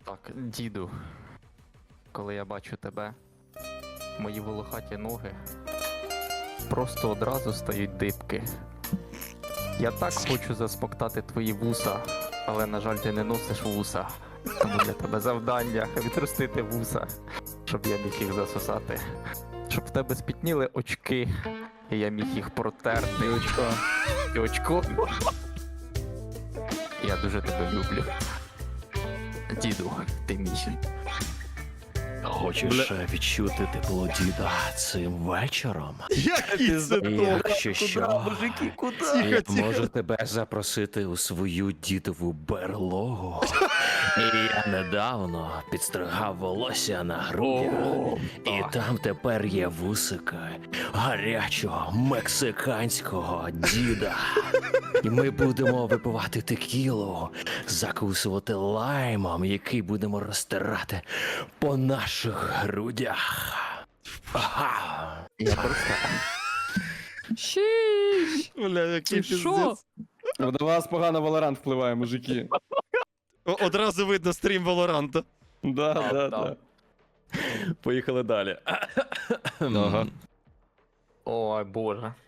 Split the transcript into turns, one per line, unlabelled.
Так, діду, коли я бачу тебе, мої волохаті ноги просто одразу стають дибки. Я так хочу засмоктати твої вуса, але, на жаль, ти не носиш вуса. Тому для тебе завдання відростити вуса, щоб я міг їх засосати. Щоб в тебе спітніли очки, і я міг їх протерти. І очко. Я дуже тебе люблю. Діду, ти мій.
Хочеш відчути тепло діда цим вечором?
Який це
І якщо що,
мужики, куди?
я
Тихо,
можу тебе запросити у свою дідову берлогу. І я недавно підстригав волосся на грудях. І там тепер є вусика гарячого мексиканського діда. І ми будемо випивати текілу, закусувати лаймом, який будемо розтирати по наших грудях. Ага.
Я просто...
Бля, який
Ти що?
пиздец.
До вас погано Valorant впливає, мужики.
Одразу видно стрім Валоранта.
Да.
Поїхали далі.
Ага.
Ой, боже.